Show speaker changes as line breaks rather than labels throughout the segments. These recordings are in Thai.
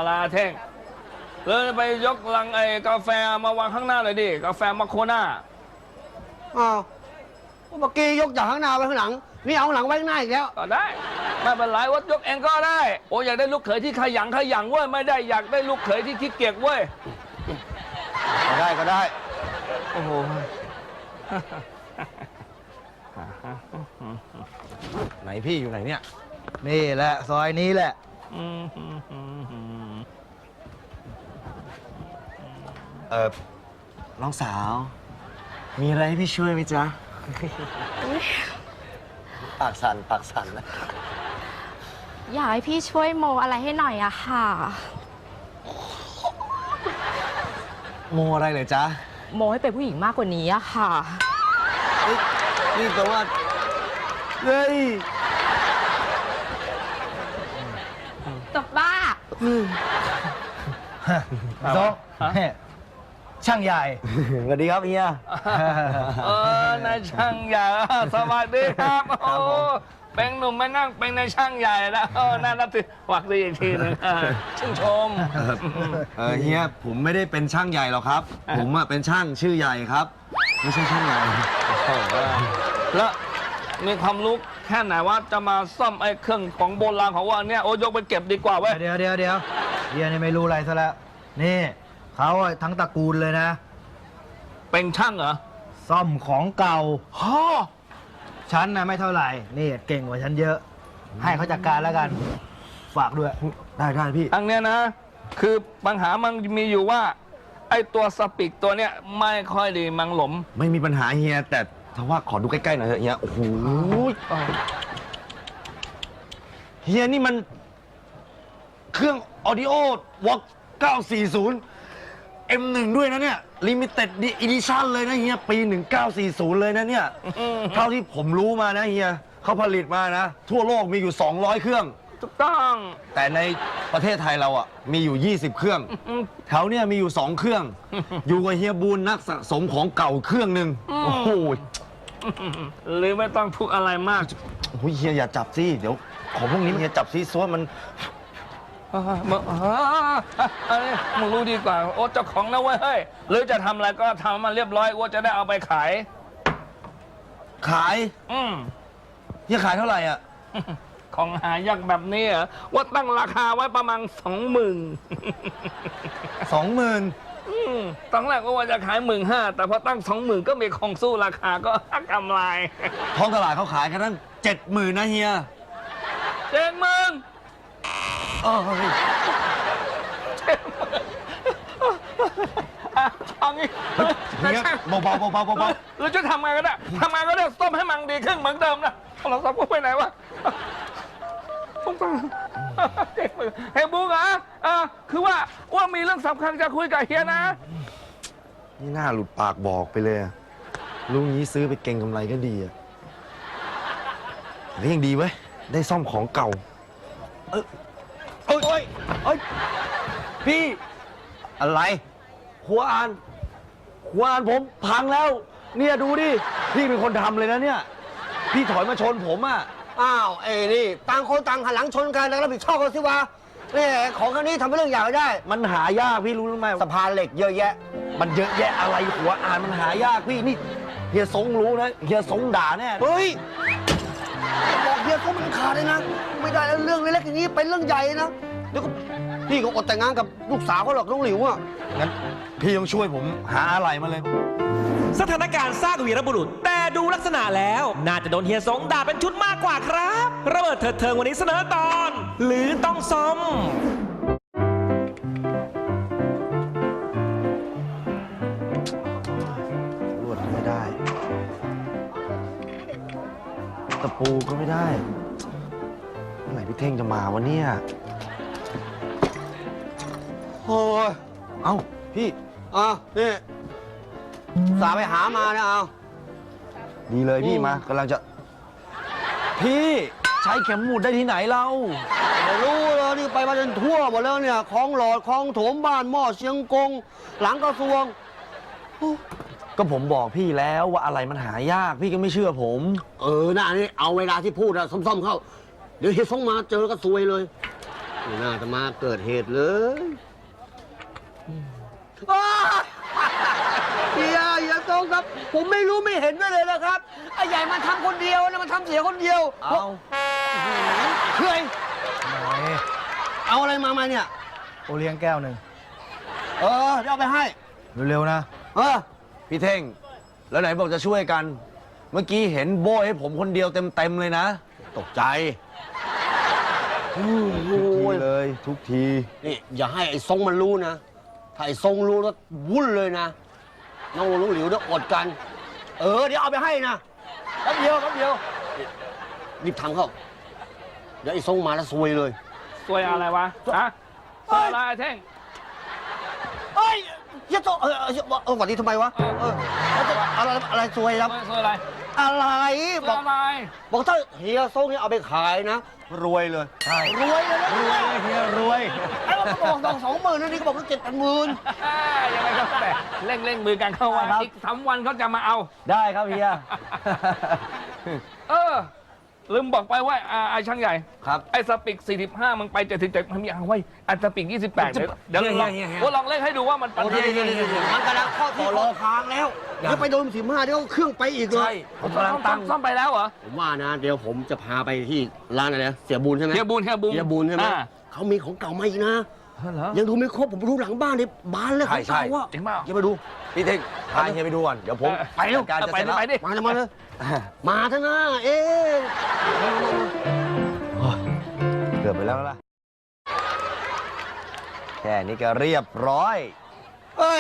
อะไรเท่งเลยไปยกลังกาแฟมาวางข้างหน้าเลยดิกาแฟมาโคน่า
อ้าวเมื่อกี้ยกจากข้างหน้าไปข้างหลังนี่เอาข้างหลังไว้ข้างหน้าอีกแล้ว
ก็ได้ไม่เป็นไรวัดยกเองก็ได้โอ้อยากได้ลูกเขยที่ขยันเว้ยไม่ได้อยากได้ลูกเขยที่ขี้เกียจเว้ย
ก็ได้
โอ้โห
ไหนพี่อยู่ไหนเนี่ยนี่แหละซอยนี้แหละน้องสาวมีอะไรให้พี่ช่วยไหมจ๊ะปากสั่นนะ
อยากให้พี่ช่วยโมอะไรให้หน่อยอะค่ะ
โมอะไรเลยจ๊ะ
โมให้เป็นผู้หญิงมากกว่านี้อะค่ะ
นี่แปลว่าเฮ้ย
ตบบ้า
โต๊ะช่างใหญ่สวัสดีครับเฮีย
นายช่างใหญ่สวัสดีครับโอ้เป็นหนุ่มมานั่งเป็นนายช่างใหญ่แล้วน่ารักทีหวักดีอีกทีนึงชื่นชม
เฮียผมไม่ได้เป็นช่างใหญ่หรอกครับผมเป็นช่างชื่อใหญ่ครับไม่ใช่ช่างใหญ่
แล้วมีความรู้แค่ไหนว่าจะมาซ่อมเครื่องของโบราณของว่าเนี่ยโอ้ยกไปเก็บดีกว่าเว้ย
เดี๋ยวเฮียนี่ไม่รู้อะไรซะแล้วนี่เขาทั้งตระกูลเลยนะ
เป็นช่างเหรอ
ซ่อมของเก่าฉันนะไม่เท่าไหร่นี่เก่งกว่าฉันเยอะให้เขาจัดการแล้วกันฝากด้วยได้พี่
อันเนี้ยนะคือปัญหามันมีอยู่ว่าไอ้ตัวสปิกตัวเนี้ยไม่ค่อยดีมังหลม
ไม่มีปัญหาเฮียแต่ถ้าว่าขอดูใกล้ๆหน่อยเถอะเฮียโอ้โหเฮียนี่มันเครื่อง Audio Walk 940 M1 ด้วยนะเนี่ย Limited Edition เลยนะเฮียปี 1940 เลยนะเนี่ยเท่าที่ผมรู้มานะเฮียเขาผลิตมานะทั่วโลกมีอยู่200เครื่อง
ถูกต้อง
แต่ในประเทศไทยเราอ่ะมีอยู่20เครื่องแถวเนี่ยมีอยู่2เครื่องอยู่กับเฮียบูลนักสะสมของเก่าเครื่องหนึ่งโอ้โห
หรือไม่ต้องพูดอะไรมาก
โอ้ยเฮียอย่าจับสิเดี๋ยวของพวกนี้เฮียจับซิซ้วนมัน
มึงรู้ดีกว่าโอ้เจ้าของนะเว้ยเฮ้ยหรือจะทำอะไรก็ทำมาเรียบร้อยโอ้จะได้เอาไปขาย
เฮียขายเท่าไหร่อ่ะ
ของหายากแบบนี้เหรอว่าตั้งราคาไว้ประมาณ
20,000
ตอนแรกก็ว่าจะขาย15,000แต่พอตั้ง 20,000ก็มีของสู้ราคาก็กำไร
ท้องตลาดเขาขายกันตั้ง70,000นะเฮีย
70,000เอางี้
เบา
หรือจะทำไงก็ได้ต้มให้มันดีขึ้นเหมือนเดิมนะโทรศัพท์กูไปไหนวะเฮ้ยบุ๊กคือว่ามีเรื่องสำคัญจะคุยกับเฮียนะ
นี่น่าหลุดปากบอกไปเลยลุงนี้ซื้อไปเก่งกำไรก็ดีอ่ะนี่ยังดีเว้ยได้ซ่อมของเก่าพี่อะไรหัวอ่านผมพังแล้วเนี่ยดูดิพี่เป็นคนทำเลยนะเนี่ยพี่ถอยมาชนผมอ่ะ
อ้าวนี่ต่างคนต่างหันหลังชนกันแล้วรับผิดชอบกันสิวะนี่ของแค่นี้ทำเป็นเรื่องใหญ่ไม่ได้
มันหายากพี่รู้ไหม
สะพานเหล็กเยอะแยะ
มันเยอะแยะอะไรหัวอ่านมันหายากพี่นี่เฮียสงรู้นะเฮียสงด่าแน่
เฮ้ยบอกเฮียสงมันขาดเลยนะไม่ได้เรื่องเล็กๆอย่างนี้เป็นเรื่องใหญ่นะเดี๋ยวก็พี่ก็อดแต่งงานกับลูกสาวเขาหรอกน้องหลิวอ่ะ
งั้นพี่ต้องช่วยผมหาอะไรมาเลย
สถานการณ์สร้างวีรบุรุษแต่ดูลักษณะแล้วน่าจะโดนเฮียสงด่าเป็นชุดมากกว่าครับระเบิดเถิดเทิงวันนี้เสนอตอนหรือต้องซ่อม
ลวดก็ไม่ได้ตะปูก็ไม่ได้เมื่อไหร่พี่เท่งจะมาวะเนี่ย
โอ้ย
เอ้าพี่
นี่สาไปหามานะเอา
ดีเลยพี่มากำลังจะพี่ใช้เข็มหมุดได้ที่ไหนเรา
ไม่รู้เลยนี่ไปมาจนทั่วหมดแล้วเนี่ยคลองหลอดคลองโถมบ้านหม้อเชียงกงหลังกระทรวง
ก็ผมบอกพี่แล้วว่าอะไรมันหายากพี่ก็ไม่เชื่อผม
น่านี่เอาเวลาที่พูดอะซ่อมๆเข้าเดี๋ยวเฮียส่งมาเจอก็ซวยเลยไม่น่าจะมาเกิดเหตุเลยอ้าเฮียทรงครับ ผมไม่รู้ไม่เห็นด้วยเลยนะครับไอ้ใหญ่มันทำคนเดียวนะมันทำเสียคนเดียว
เอา
เฮ้ยเอาอะไรมาเนี่ย
โอเลี้ยงแก้วหนึ่ง
เดี๋ยวเอาไปให้
เร็วๆนะ พี่เท่ง แล้วไหนบอกจะช่วยกัน เมื่อกี้เห็นโบ้ให้ผมคนเดียวเต็มๆเลยนะ
ตกใจ
ทุกทีเลยทุกที
นี่อย่าให้ไอ้ทรงมันรู้นะ ถ้าไอ้ทรงรู้แล้ววุ่นเลยนะ น้องลุงหลิวเนี่ยอดกัน เดี๋ยวเอาไปให้นะแป๊บเดียวรีบทำเข้า เดี๋ยวไอ้ทรงมาแล้วซวยเลย
ซวยอะไรวะฮะซวยอะไรไอ้เท่ง
เฮ้ยเฮียโตหวัดดีทำไมวะอะไรซวยครับ
ซวยอะไร
อะไร
ซวยอะไร
บอกถ้าเฮียทรงเนี่ยเอาไปขายนะ รวยเลย
ใช่
รวยเลยนะ
รวยเลยเฮียรวย
ไอ้เราบอกต้อง20,000นะนี่ก็บอกว่า7-8,000
ยังไงก็แต่เร่งมือกันเข้าว่า
ครับ
อีก3 วันเขาจะมาเอา
ได้ครับเฮีย
ลืมบอกไปว่าไอ้ช่างใหญ่
ครับ
ไอ้สปิก45มึงไป77มันมีเอาไว้ไอ้สปิก28เดี๋ยวลอง
เฮีย
ลองเล่นให้ดูว่ามันปัญ
โอ้
หา
เดี๋ยวมันกำลังข้อที่คอค้างแล้วเดี๋ยวไปโดน15เดี๋ยวเครื่องไปอีกเลย
ใช่ผมกำลังตั้ง
ซ่อมไปแล้วเหรอ
ผมว่านะ เดี๋ยวผมจะพาไปที่ร้านอะไรนะเสียบูลใช่ไหม
เฮียบูน
เฮียบูลใช่ไหม
อ่า
เขามีของเก่ามาอีกนะ
เหรอ
ยังดูไม่ครบผมรู้หลังบ้านเนี่ยบานเลยของเก่าอะ
จริงเปล่า
อย่าไปดู
พี่เท่งพาเฮียไปดูก่อน เดี๋ยวผม
ไปเร็ว
จัดการจะเสร็จแล้ว
ไปดิ
มาเลยมาเถอะนะมา
เกือบไปแล้วล่ะ แค่นี้ก็เรียบร้อย
โอ้ย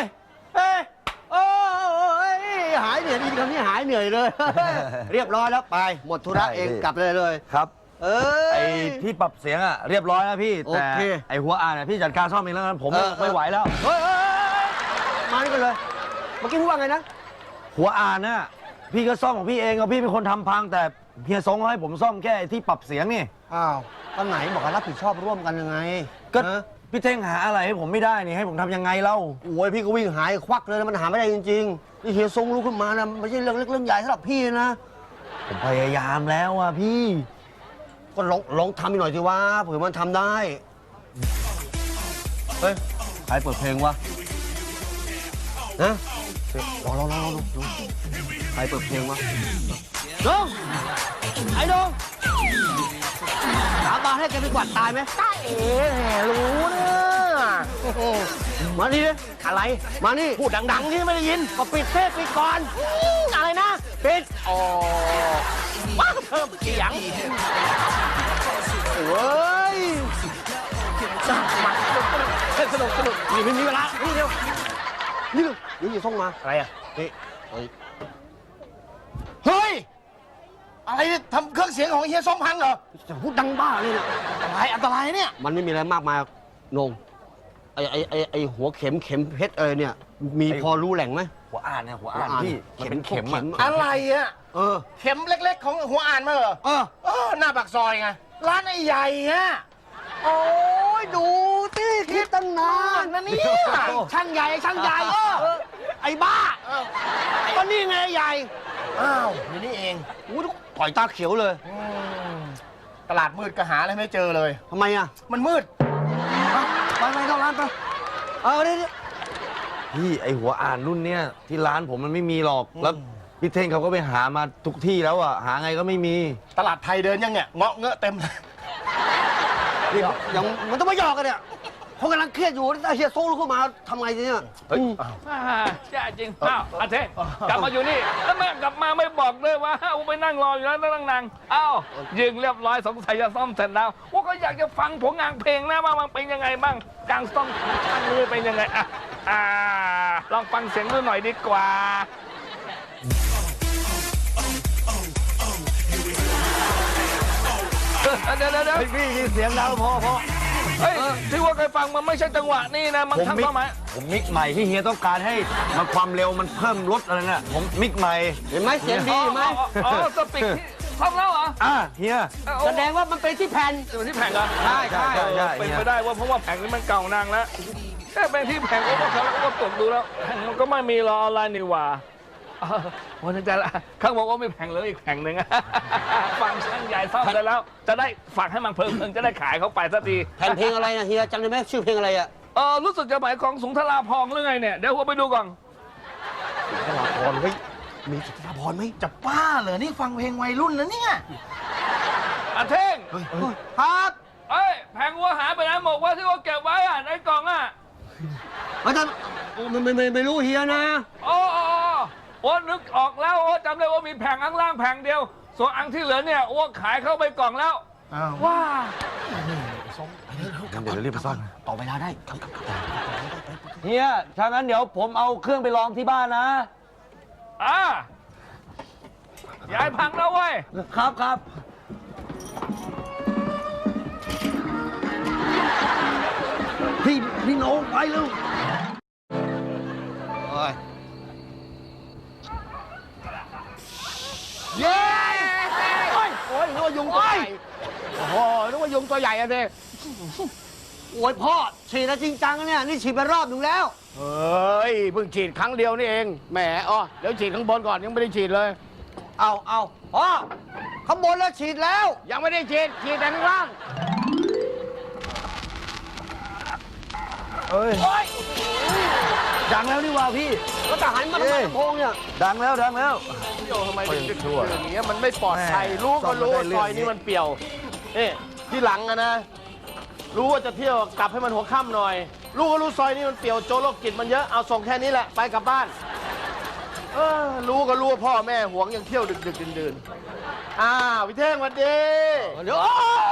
หายเหนื่อยดีคำนี้หายเหนื่อยเลย เรียบร้อยแล้วไป หมดธุระ
ได้
เอง
พี่
กลับเลย
ครับ ไอ้ที่ปรับเสียงอะเรียบร้อยแล้วพี่
โอ
แต่
เค
ไอ้หัวอ่านอะพี่จัดการซ่อมเองแล้วกันผมไม่ไหวแล้ว
เฮ้ยมานี่กันเลย เมื่อกี้พูดว่าไงนะ
หัวอ่านน่ะพี่ก็ซ่อมของพี่เองเอาพี่เป็นคนทำพัง แต่เฮียทรงให้ผมซ่อมแค่ไอ้ที่ปรับเสียงนี่
อ้าวตอนไหนบอกว่ารับผิดชอบร่วมกันยังไง
ก็
ฮะ
พี่เท่งหาอะไรให้ผมไม่ได้นี่ให้ผมทำยังไงเล่า
โอ้ยพี่ก็วิ่งหายควักเลยนะมันหาไม่ได้จริงๆนี่เฮียทรงรู้ขึ้นมานะไม่ใช่เรื่องเล็กเรื่องใหญ่สำหรับพี่นะ
ผมพยายามแล้วอะพี่
ก็ลองทำอีกหน่อยสิวะเผื่อมันทำได้ เฮ้ยใครเปิดเพลงวะนะลองใครเปิดเพลงวะน้องไอ้น้องสาบานให้แกไปกวาดตายไหมตายรู้นะมานี่เลยอะไร มานี่ พูดดังๆที่ไม่ได้ยินก็ปิดเทปปิดก่อนอะไรนะ ปิดอ๋อว้าวเพิ่มเสียงเฮ้ยสนุกนี่ไม่มีเวลานี่เร็วนี่อย่าส่งมาอะไรอ่ะนี่เฮ้ย
อะไรเนี่ยทำเครื่องเสียงของเฮียส้มพังเหรอ
จะพูดดังบ้าเลยเนี่ย
อันตรายเนี่ย
มันไม่มีอะไรมากมายนงไอหัวเข็มเพชรเนี่ย มีพอรู้แหล่งไหม
หัวอ่านเนี่ยหัวอ่าน
หัวอ่าน
พี่
มันเป็น
เข็ม
พวก
อะ
เข็ม
อะไรอะ
เออ
เข็มเล็กๆ ของหัวอ่านมาเหรอ
เออ
หน้าปากซอยไง ร้านไอ้ใหญ่ฮะ
โอ้ยดูที่คิดตั้งนาน
นั่นเนี่ย
ช่างใหญ่ไอ้บ้าก็นี่ไงใหญ่
อ้าวนี่นี่เอง
อู้ปล่อยตาเขียวเลย
ตลาดมืดก็หาอะไรไม่เจอเลย
ทำไมอ่ะ
มันมืด
ไปเข้าร้านไปนี่
พี่ไอหัวอ่านรุ่นเนี้ยที่ร้านผมมันไม่มีหรอกแล้วพี่เท่งเขาก็ไปหามาทุกที่แล้วอะหาไงก็ไม่มี
ตลาดไทยเดินยังเนี่ย เงาะเงอะเต็มเลย
ยังมันต้องมาหยอกกันเนี่ยเขากำลังเครียดอยู่ถ้าเฮียโซ่ลุกขึ้นมาทำไงเนี่ย
แย่จริงอ้าวอาเทงกลับมาอยู่นี่แล้วแม่กลับมาไม่บอกด้วยว่าไปนั่งรออยู่แล้วนั่งนางอ้าวยิงเรียบร้อยสงสัยจะซ่อมเสร็จแล้วว่าก็อยากจะฟังผลงานเพลงนะว่ามันเป็นยังไงบ้างการซ่อมช่างนี้เป็นยังไงลองฟังเสียงดูหน่อยดีกว่าเดี๋ยว
พี่มีเสียงดังพอ
เฮ้ยที่ว่าเคยฟังมันไม่ใช่จังหวะนี่นะมัน
ผม
ทำ
มิก
เข้ามา
ผมมิกใหม่ที่เฮียต้องการให้มันความเร็วมันเพิ่มลดอะไรน่ะผมมิกใหม่
เห็นไหมเสียงดีไหม
อ๋อสปิกซ่อมแล้วเหรอ
เฮีย
แสดงว่ามันเป็นที่แผ่น
เป็นที่แผงเหรอ
ใช่
เป็นไปได้ว่าเพราะว่าแผงนี้มันเก่านางแล้วแค่เป็นที่แผงก็ว่าเขาแล้วก็ตรวจดูแล้วแผงมันก็ไม่มีรออะไรนี่หว่าวันนี้จะละเขาบอกว่าไม่แผงเหลยอีกแผงหนึ่ง ฟังช่างใหญ่ซ่อมได้แล้ว จะได้ฝากให้มันเพิ่มจะได้ขายเขาไปสักที
แผ่นเพลงอะไรนะเฮียจำได้ไหมชื่อเพลงอะไรอ่ะ
รู้สึกจะหมายของสุนทราภรณ์หรือไงเนี่ย เดี๋ยวผมไปดูก่อน
ธราพรเฮ้ยมีสุนทรภรณ์ไหม
จะป้าเหรอนี่ฟังเพลงวัยรุ่นนะเนี่ย
อาเท่ง
ครับ
เอ้ยแผงวัวหายไปไหนบอกว่าที่ว่าเก็บไว้อะในกล่องอะ
อาจารย์ไม่รู้เฮียนะ
โอ้นึกออกแล้วโอ้จำได้ว่ามีแผงข้างล่างแผงเดียว ส่วนอันที่เหลือเนี่ยอ้วขายเข้าไปกล่องแล้ว
อ้าว
ว้า
งั้นเดี๋ยวเรารีบไปซ่อม
ต่อเวลาได้
เฮียถ้างั้นเดี๋ยวผมเอาเครื่องไปลองที่บ้านนะ
ยายพังแล้วเว้ย
ครับครับพี่โน้ไปเร็ว
โอ้ย
เย้โอ้ยนึกว่ายุงตัวใหญ่โอ้โหนึกว่ายุงตัวใหญ่อะเด้
โอ้ยพ่อฉีดแล้วจริงจังนะเนี่ยนี่ฉีดไปรอบหนึ่งแล้ว
เฮ้ยเพิ่งฉีดครั้งเดียวนี่เองแหมเดี๋ยวฉีดข้างบนก่อนยังไม่ได้ฉีดเลย
เอาพ่อข้างบนแล้วฉีดแล้ว
ยังไม่ได้ฉีดแต่ข้างล่าง
เอ้ยดังแล้วนี่ว่าพี่
ก็จะหันมาทำไมลำโพงเนี่ย
ดังแล้วดังแล้ว
โยทำไมถึงจะชั่วอย่างเงี้ยมันไม่ปลอดภัยรู้ก็รู้ว่าซอยนี้มันเปี่ยวนี่ที่หลังอะนะ รู้ว่าจะเที่ยวกลับให้มันหัวค่ำหน่อย รู้ก็รู้ซอยนี้มันเปี่ยวโจรโรคจิตมันเยอะเอาส่งแค่นี้แหละไปกลับบ้านรู้ก็รู้ว่าพ่อแม่หวงยังเที่ยวดึกดื่นพี่เท่งสวัสดี
เดี๋ยว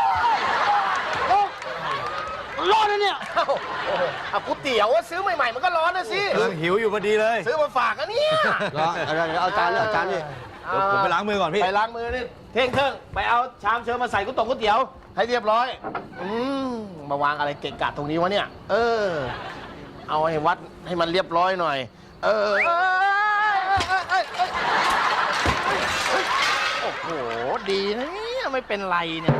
ร้อนนะเนี่ย
ก๋วยเตี๋ยวซื้อใหม่ๆมันก็ร้อนนะสิ
กำลังหิวอยู่พอดีเลย
ซื้อมาฝากอะเนี่ย
เอาจานนี่เอาจานนี่
เดี๋ยวผมไปล้างมือก่อนพี่
ไปล้างมือนี่เท่งไปเอาชามเชิญมาใส่ก๋วยเตี๋ยวให้เรียบร้อยมาวางอะไรเกะกะตรงนี้วะเนี่ยเอาให้วัดให้มันเรียบร้อยหน่อยโอ้โหดีนะเนี่ยไม่เป็นไรเนี่ย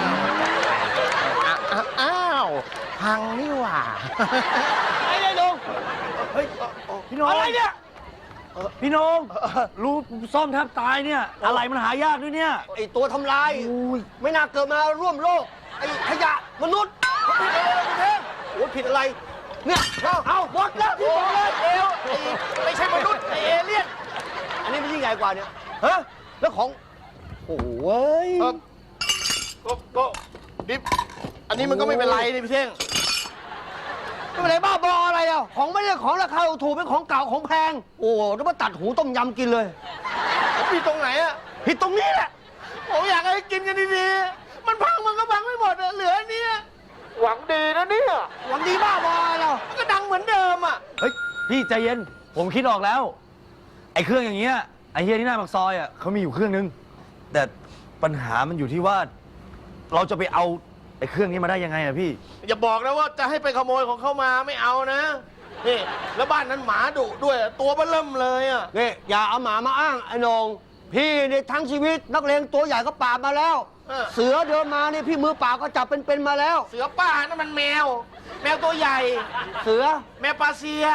อ้าวพังนี่หว่า
ไอ้ลุงเฮ้ยพี่โน้องอะไรเนี่ยพี่โน้องรู้ซ่อมแทบตายเนี่ย อะไรมันหายากด้วยเนี่ย
ไอตัวทำลายไม่น่าเกิดมาร่วมโลกไอขยะมนุษย์โอ้ผิดอะไรเนี่ยเอาหมดแล้วที่บอกเลย
ไม่ใช่มนุษย์เอเลี่ยน
อันนี้ไม่ใช่ใหญ่กว่าเนี่ยฮะแล้วของโอ้ย
ก็ดิฟอันนี้มันก็ไม่เป็นไรนี่พี่เท่ง
ไม่เป็นไรบ้าบออะไรอ่ะของไม่ได้ของราคาถูกเป็นของเก่าของแพงโอ้แล้วมาตัดหูต้มยำกินเลย
ผิดตรงไหนอะ
ผิดตรงนี้แหละ
ผมอยากให้กินกันดีๆมันพังมันก็พังไม่หมดอะเหลืออันเนี้ยหวังดีนะเนี่ย
หวังดีบ้าบออะไรเรา
มันก็ดังเหมือนเดิมอะ
เฮ้ยพี่ใจเย็นผมคิดออกแล้ว ไอ้เครื่องอย่างเงี้ยไอ้เฮียที่หน้าปากซอยอ่ะเขามีอยู่เครื่องนึงแต่ปัญหามันอยู่ที่ว่า เราจะไปเอาไอ้เครื่องนี้มาได้ยังไงอะพี่
อย่าบอกนะว่าจะให้ไปขโมยของเขามาไม่เอานะนี่แล้วบ้านนั้นหมาดุด้วยตัวเบ้อเริ่มเลยอะ
นี่อย่าเอาหมามาอ้างไอ้นงพี่เนี่ยทั้งชีวิตนักเลงตัวใหญ่ก็ปราบมาแล้ว เสือเดินมาเนี่ยพี่มือเปล่าก็จับเป็นมาแล้ว
เสือป่านั่นมันแมวตัวใหญ่
เสือ
แมวปาเซีย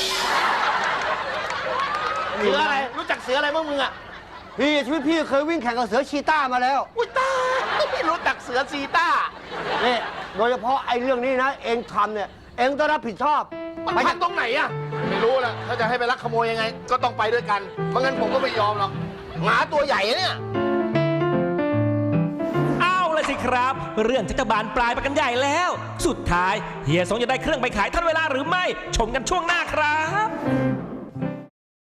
เสืออะไรรู้จักเสืออะไรบ้างมึงอะ
พี่ชีวิตพี่เคยวิ่งแข่งกับเสือชีต้ามาแล้ว
อุ้ยตายไม่รู้จักเสือซีต้า
นี่โดยเฉพาะไอ้เรื่องนี้นะ เองทำเนี่ยเองต้องรับผิดชอบ
มันพังตรงไหนอะไม่รู้ละถ้าจะให้ไปลักขโมยยังไง ก็ต้องไปด้วยกันไม่งั้นผมก็ไม่ยอมหรอกหมาตัวใหญ่เนี่ย
เอาเลยสิครับ เรื่องจะบานปลายไปกันใหญ่แล้ว สุดท้ายเฮียสงจะได้เครื่องไปขายทันเวลาหรือไม่ ชมกันช่วงหน้าครับ